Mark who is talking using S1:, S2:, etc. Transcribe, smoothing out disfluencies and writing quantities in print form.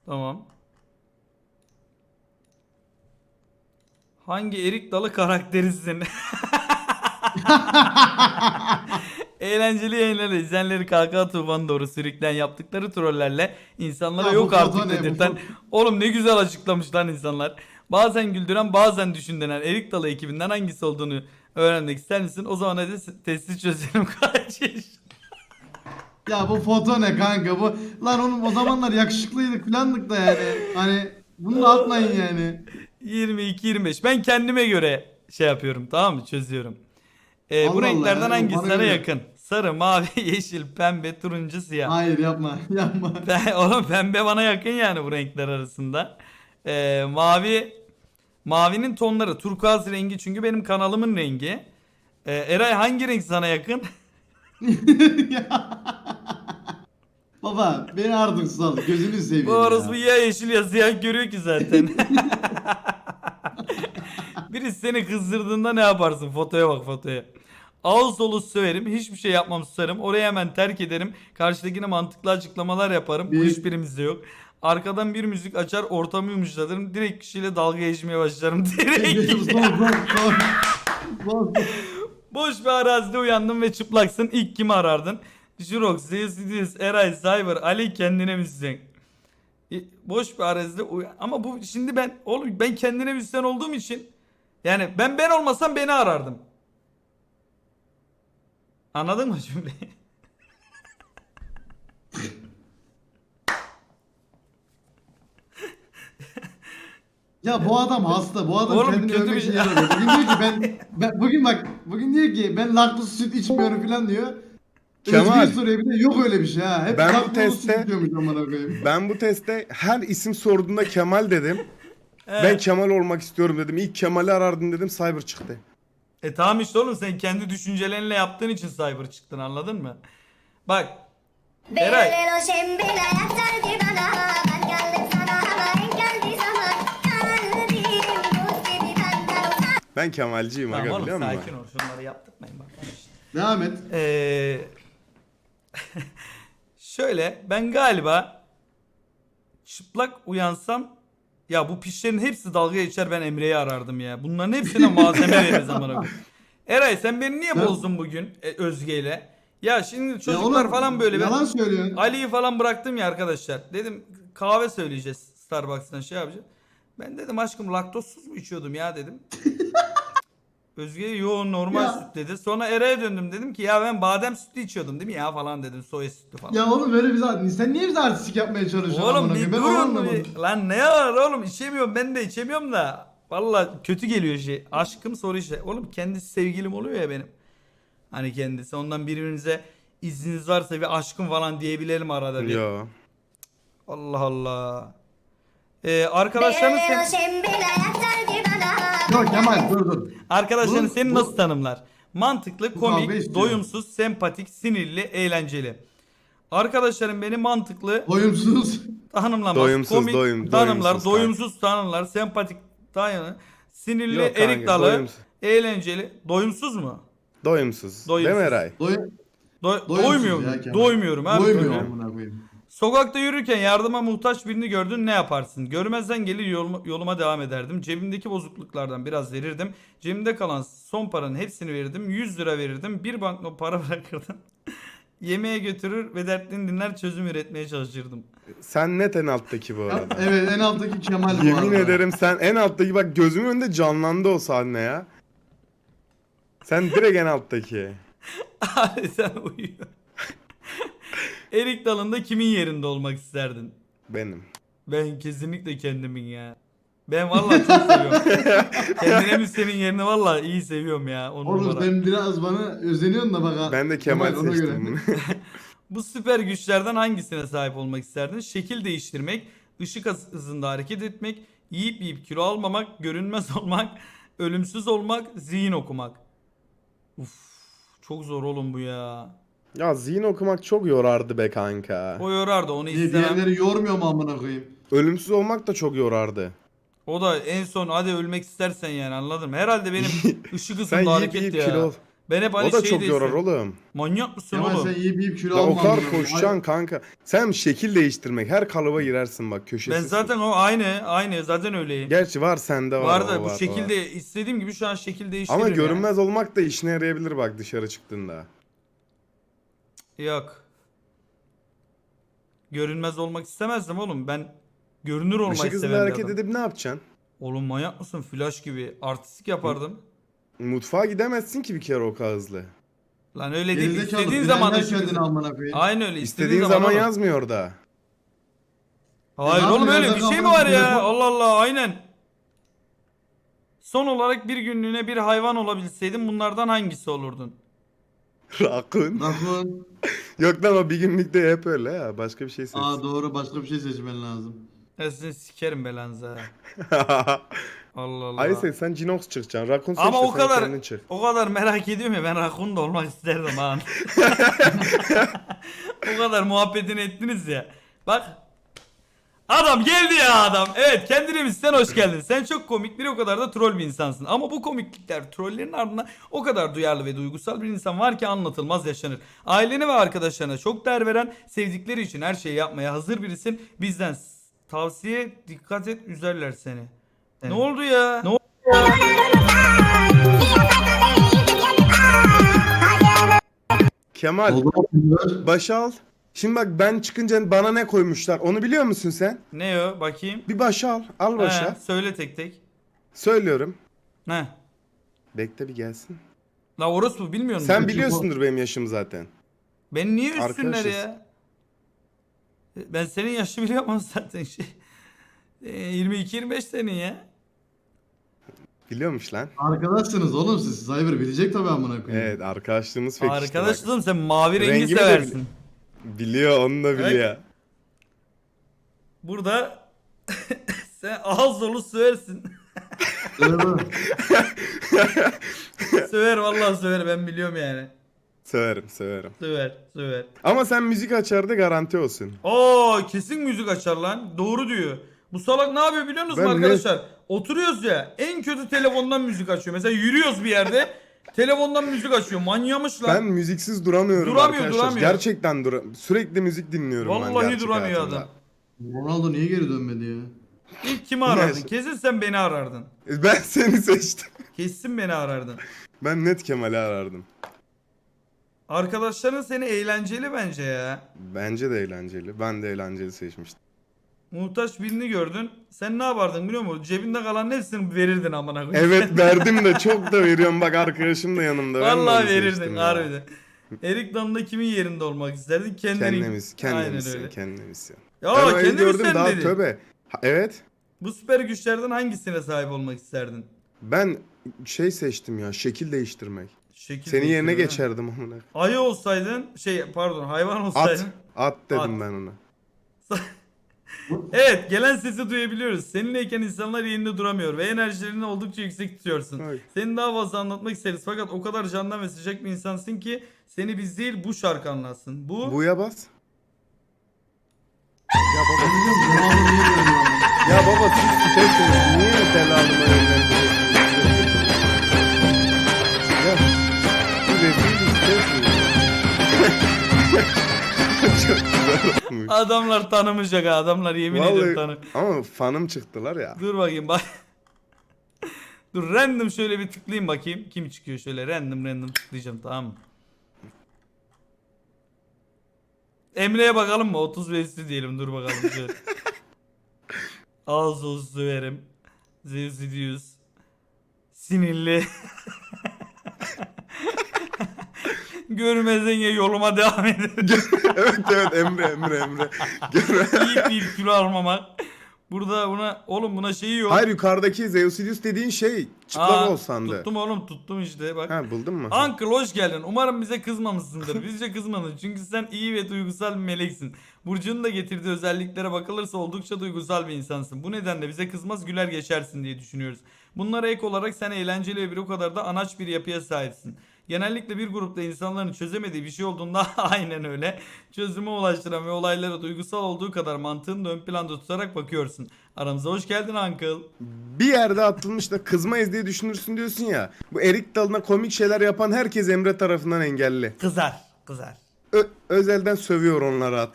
S1: Tamam. Hangi Erik Dalı karakterisin? Eğlenceli yayınlarla izleyenleri kahkaha tufanı doğru sürükleyen yaptıkları trollerle insanlara
S2: Ya
S1: yok
S2: bu foto
S1: artık
S2: ne? Bu
S1: dedirten.
S2: foto-
S1: Oğlum ne güzel açıklamış lan insanlar. Bazen güldüren bazen düşündüren Erik Dalı ekibinden hangisi olduğunu öğrenmek ister misin? O zaman hadi testi çözelim kaç yaş.
S2: Ya bu foto ne kanka bu? Lan oğlum o zamanlar yakışıklıydık filandık da yani. Hani bunu da atmayın yani.
S1: 22-25. Ben kendime göre şey yapıyorum, tamam mı? Çözüyorum. Bu
S2: Allah Allah
S1: renklerden
S2: ya. Yok,
S1: hangisi
S2: bana
S1: sana
S2: göre yap.
S1: yakın? Sarı, mavi, yeşil, pembe, turuncu, siyah.
S2: Hayır yapma. Yapma.
S1: Oğlum pembe bana yakın yani bu renkler arasında. Mavinin tonları turkuaz rengi çünkü benim kanalımın rengi. Eray hangi renk sana yakın?
S2: Ya. Baba beni artık sal. Gözünü
S1: Bu
S2: seveyim
S1: orospu
S2: ya.
S1: ya yeşil ya siyah görüyor ki zaten. Birisi seni kızdırdığında ne yaparsın? Fotoya bak fotoya. Ağız dolu söverim. Hiçbir şey yapmam susarım. Orayı hemen terk ederim. Karşıdakine mantıklı açıklamalar yaparım. Bu
S2: Bir.
S1: hiçbirimizde yok. Arkadan bir müzik açar ortamı yumuşatırım. Direkt kişiyle dalga geçmeye başlarım. Direkt.
S2: Son son son. Son.
S1: Boş bir arazide uyandın ve çıplaksın. İlk kimi arardın? Jurox, Zeus, Eray, Cyber, Ali kendine müzisyen. Boş bir arazide ama bu şimdi ben kendine müzisyen olduğum için yani ben olmasam beni arardım. Anladın mı cümleyi?
S2: Ya bu adam hasta. Bu adam
S1: Oğlum
S2: kendini
S1: kötü
S2: övmek
S1: bir
S2: için
S1: şey.
S2: yaramıyor. Bugün diyor ki ben bugün bak bugün diyor ki ben laktoz süt içmiyorum falan diyor.
S3: Kemal,
S2: Özgür soruyor bir de yok öyle bir şey ha. Hep
S3: ben bu
S2: laktoz süt
S3: testte
S2: içiyormuş amına koyayım.
S3: ben bu testte her isim sorduğunda Kemal dedim. Ben
S1: Evet.
S3: Kemal olmak istiyorum dedim. İlk Kemal'i arardım dedim. Cyber çıktı.
S1: Tamam işte oğlum sen kendi düşüncelerinle yaptığın için cyber çıktın anladın mı? Bak Eray
S4: Belirli şembile yeter ki bana. Ben geldim sana ama en geldiği zaman. Kalbim buz gibi benden uzak.
S3: Ben Kemalciyim
S1: tamam
S3: aga
S1: oğlum
S3: biliyor musun?
S1: sakin ol şunları yaptırmayın bak.
S2: Devam et.
S1: Şöyle ben galiba çıplak uyansam ya bu pişlerin hepsi dalga geçer ben Emre'yi arardım ya. Bunların hepsine malzeme veririz amına koyayım. Eray sen beni niye
S2: Ben-
S1: bozdun bugün Özge'yle? Ya şimdi
S2: Ya
S1: çocuklar
S2: oğlum,
S1: falan böyle
S2: yalan söylüyorsun.
S1: Ali'yi falan bıraktım ya arkadaşlar. Dedim kahve söyleyeceğiz Starbucks'tan şey yapacağız. Ben dedim aşkım laktozsuz mu içiyordum ya dedim. Özge yo normal
S2: Ya.
S1: süt dedi. Sonra Eray'a döndüm dedim ki ya ben badem sütü içiyordum değil mi ya falan dedim soya sütü falan.
S2: Ya oğlum böyle bize sen niye bize artistik yapmaya çalışıyorsun
S1: Oğlum
S2: amına
S1: bir
S2: koyayım? Ben onu
S1: durun
S2: anlamadım.
S1: bir. Lan ne var oğlum içemiyorum ben de içemiyorum da. Valla kötü geliyor şey. Aşkım soru işte. Oğlum kendisi sevgilim oluyor ya benim. Hani kendisi ondan birbirimize izniniz varsa bir aşkım falan diyebilelim arada bir.
S3: Yo.
S1: Allah Allah. Arkadaşların
S4: Belirli şembile yeter ki bana.
S2: Yok Kemal dur.
S1: arkadaşların
S2: Bu-
S1: seni
S2: bu-
S1: nasıl tanımlar? Mantıklı,
S2: Bu kavga
S1: komik,
S2: istiyor.
S1: doyumsuz, sempatik, sinirli, eğlenceli. Arkadaşlarım beni mantıklı,
S2: Doyumsuz.
S1: tanımlamaz.
S3: Doyumsuz,
S1: Komik tanımlar,
S3: doyumsuz
S1: doyumsuz tanımlar, sempatik tanımlar, sinirli,
S3: Yok kanka,
S1: erik dalı,
S3: doyumsuz.
S1: eğlenceli, doyumsuz mu?
S3: Doyumsuz.
S1: Doyumsuz.
S3: Değil mi Eray?
S2: Doyumsuz
S1: Doymuyorum.
S2: ya Kemal.
S1: Doymuyorum abi.
S2: Doymuyor
S1: Doymuyorum.
S2: amına koyayım.
S1: Sokakta yürürken yardıma muhtaç birini gördün ne yaparsın? Görmezden gelir yoluma devam ederdim. Cebimdeki bozukluklardan biraz verirdim. Cebimde kalan son paranın hepsini verirdim. 100 lira verirdim. Bir banknot para bırakırdım. Yemeğe götürür ve dertlerini dinler çözüm üretmeye çalışırdım.
S3: Sen net en alttaki bu
S2: Ya,
S3: arada.
S2: evet en alttaki Kemal bu
S3: Yemin
S2: arada.
S3: ederim sen en alttaki, bak gözümün önünde canlandı o sahne ya. Sen direkt en alttaki.
S1: Abi sen uyuyor. Erik dalında kimin yerinde olmak isterdin?
S3: Benim.
S1: Ben kesinlikle kendimin ya. Ben vallahi çok seviyorum. Kendine mi senin yerini vallahi iyi seviyorum ya. On
S2: Oğlum
S1: numara.
S2: sen biraz bana özeniyorsun da bak ha.
S3: Ben de Kemal
S2: ona göre.
S3: seçtim.
S1: Bu süper güçlerden hangisine sahip olmak isterdin? Şekil değiştirmek, ışık hızında hareket etmek, yiyip kilo almamak, görünmez olmak, ölümsüz olmak, zihin okumak. Uf, çok zor oğlum bu ya.
S3: Ya zihin okumak çok yorardı be kanka.
S1: O yorardı onu
S2: Niye
S1: istemem.
S2: diğerleri yormuyor mu amına koyayım?
S3: Ölümsüz olmak da çok yorardı.
S1: O da en son hadi ölmek istersen yani anladın mı? Herhalde benim ışık
S3: Sen
S1: hızında
S3: yiyip
S1: hareket
S3: yiyip
S1: ya.
S3: kilo ol.
S1: Ben hep hani
S3: O da
S1: şey
S3: çok
S1: de
S3: yorar
S1: istedim.
S3: oğlum.
S1: Manyak mısın
S2: Kemal
S1: oğlum?
S2: sen yiyip kilo
S3: Ya o
S2: alma.
S3: kadar
S2: amına koyayım.
S3: koşacaksın kanka. Sen şekil değiştirmek. Her kalıba girersin bak köşesi.
S1: Ben zaten o aynı zaten öyleyim.
S3: Gerçi var sende var.
S1: Var da
S3: o
S1: bu
S3: var, o
S1: şekilde
S3: var.
S1: istediğim gibi şu an şekil değiştiririm
S3: Ama
S1: ya.
S3: görünmez olmak da işine yarayabilir bak dışarı çıktığında.
S1: Yok. Görünmez olmak istemezdim oğlum. Ben görünür olmayı
S3: Işık hızlı
S1: seven bir
S3: hareket
S1: adam.
S3: edip ne yapacaksın?
S1: Oğlum manyak mısın? Flash gibi artistik yapardım.
S3: Mutfağa gidemezsin ki bir kere o kadar hızlı.
S1: Lan öyle değil.
S2: Gerizekalı,
S1: İstediğin zaman
S2: bilenler
S1: ışık
S2: kendini
S1: hızı.
S2: amına koyayım.
S1: Aynı öyle.
S3: İstediğin zaman
S1: oğlum.
S3: yazmıyor orada.
S1: Hayır
S2: Ne
S1: oğlum
S2: yapayım
S1: öyle
S2: ya?
S1: bir
S2: Ben
S1: şey mi
S2: kafamı
S1: var ya?
S2: telefon-
S1: Allah Allah aynen. Son olarak bir günlüğüne bir hayvan olabilseydin bunlardan hangisi olurdun?
S3: Rakun.
S2: Rakun.
S3: Yok lan o bir günlükte hep öyle ya. Başka bir şey seç.
S2: Aa doğru, başka bir şey seçmen lazım.
S1: Ya sizin sikerim belanıza. Allah Allah.
S3: Ayse sen Cinox çıkacaksın. Rakun seç
S1: Ama
S3: de
S1: o
S3: sen
S1: kadar
S3: kendin çık.
S1: o kadar merak ediyorum ya ben rakun da olmak isterdim ha. O kadar muhabbetini ettiniz ya. Bak. Adam geldi ya adam. Evet kendine mi sen hoş geldin. Sen çok komik bir o kadar da troll bir insansın. Ama bu komiklikler trollerin ardında o kadar duyarlı ve duygusal bir insan var ki anlatılmaz yaşanır. Ailene ve arkadaşlarına çok değer veren, sevdikleri için her şeyi yapmaya hazır birisin. Bizden tavsiye dikkat et üzerler seni. Ne oldu ya? Ne oldu?
S3: Kemal
S2: Oldu mu?
S3: başa al. Şimdi bak ben çıkınca bana ne koymuşlar onu biliyor musun sen?
S1: Ne o? Bakayım.
S3: Bir başa al. Al başa.
S1: He, söyle tek tek.
S3: Söylüyorum.
S1: Ne?
S3: Bekle bir gelsin.
S1: La orospu bilmiyor musun?
S3: Sen biliyorsundur benim yaşım zaten.
S1: Beni niye üstünler
S3: Arkadaşız.
S1: ya? Ben senin yaşı biliyorum ama zaten şey. 22-25 senin ya.
S3: Biliyormuş lan.
S2: Arkadaşsınız oğlum siz. Cyber bilecek tabii amına koyayım.
S3: Evet arkadaşlığımız pek işte
S1: Arkadaş
S3: bak.
S1: kızım sen mavi rengi
S3: Rengimi de
S1: seversin.
S3: Biliyor onu da biliyor.
S1: Burada sen ağız dolu söversin.
S2: Öyle mi?
S1: Söver vallahi söver ben biliyorum yani.
S3: Severim severim.
S1: Söver.
S3: Ama sen müzik açar da garanti olsun.
S1: Oo kesin müzik açar lan. Doğru diyor. Bu salak ne yapıyor biliyor musunuz
S3: Ben
S1: arkadaşlar? Oturuyoruz ya en kötü telefondan müzik açıyor. Mesela yürüyoruz bir yerde telefondan müzik açıyor. Manyamış lan.
S3: Ben müziksiz duramıyorum
S1: Duramıyor,
S3: arkadaşlar.
S1: duramıyor.
S3: Gerçekten sürekli müzik dinliyorum ben
S1: Vallahi
S3: gerçek
S1: duramıyor
S3: hayatımda.
S1: adam.
S2: Ronaldo niye geri dönmedi ya?
S1: İlk kimi arardın?
S3: Ne?
S1: Kesin sen beni arardın.
S3: Ben seni seçtim.
S1: Kesin beni arardın.
S3: Ben net Kemal'i arardım.
S1: Arkadaşların seni eğlenceli bence ya.
S3: Bence de eğlenceli. Ben de eğlenceli seçmiştim.
S1: Muhtaç birini gördün. Sen ne yapardın biliyor musun? Cebinde kalan hepsini verirdin amına koyayım.
S3: Evet verdim de çok da veriyorum. Bak arkadaşım da yanımda. Ben de
S1: Vallahi
S3: onu
S1: verirdin
S3: seçtim ya.
S1: harbiden. Erik Dalı'nda kimin yerinde olmak isterdin?
S3: Kendimiz,
S1: Aynen
S3: kendimiz,
S1: öyle.
S3: kendimiz.
S1: Ya
S3: Ben öyle
S1: kendimiz
S3: gördüm
S1: sen
S3: daha
S1: dedin.
S3: tövbe. Evet.
S1: Bu süper güçlerden hangisine sahip olmak isterdin?
S3: Ben şey seçtim ya. Şekil değiştirmek.
S1: Şekil
S3: Senin yerine
S1: değiştirme.
S3: geçerdim amına.
S1: Ayı olsaydın, hayvan
S3: At.
S1: olsaydın.
S3: At dedim
S1: At.
S3: ben ona.
S1: Evet, gelen sesi duyabiliyoruz. Seninleyken insanlar yerinde duramıyor ve enerjilerini oldukça yüksek tutuyorsun.
S3: Ay.
S1: Seni daha fazla anlatmak isteriz fakat o kadar candan ve sıcak bir insansın ki seni biz değil bu şarkı anlatsın.
S3: Bu'ya bas.
S2: Ben biliyorum Ronaldo niye geri dönmedi?
S3: Ya baba siz tutarsınız. Niye delalıma yönlendiriyorsunuz? Ya. Bu dediğiniz tutarsınız. Çok güzel olmuş.
S1: Adamlar tanımayacak ha, adamlar yemin ederim tanı.
S3: Ama fanım çıktılar ya.
S1: Dur bakayım bak. Dur random şöyle bir tıklayayım bakayım. Kim çıkıyor şöyle random tıklayacağım tamam mı? Emre'ye bakalım mı? 30 ve üstü diyelim dur bakalım şöyle. Ağız olsun söverim. Zevzidius. Sinirli. Görmezden ya yoluma devam ederim.
S3: evet Emre.
S1: İyi bir kilo almamak. Burada buna şeyi yok.
S3: Hayır yukarıdaki Zeusidius dediğin şey çıplak
S1: Aa,
S3: ol sandı.
S1: Tuttum oğlum tuttum işte bak.
S3: Ha buldun mu?
S1: Uncle hoş geldin. Umarım bize kızmamışsındır. Bizce kızmadın. Çünkü sen iyi ve duygusal bir meleksin. Burcu'nun da getirdiği özelliklere bakılırsa oldukça duygusal bir insansın. Bu nedenle bize kızmaz güler geçersin diye düşünüyoruz. Bunlara ek olarak sen eğlenceli ve bir o kadar da anaç bir yapıya sahipsin. Genellikle bir grupta insanların çözemediği bir şey olduğunda aynen öyle. Çözüme ulaştıran ve olaylara duygusal olduğu kadar mantığını da ön planda tutarak bakıyorsun. Aramıza hoş geldin Uncle.
S3: Bir yerde atılmış da kızmayız diye düşünürsün diyorsun ya. Bu erik dalına komik şeyler yapan herkes Emre tarafından engelli.
S1: Kızar. Kızar.
S3: Özelden sövüyor onları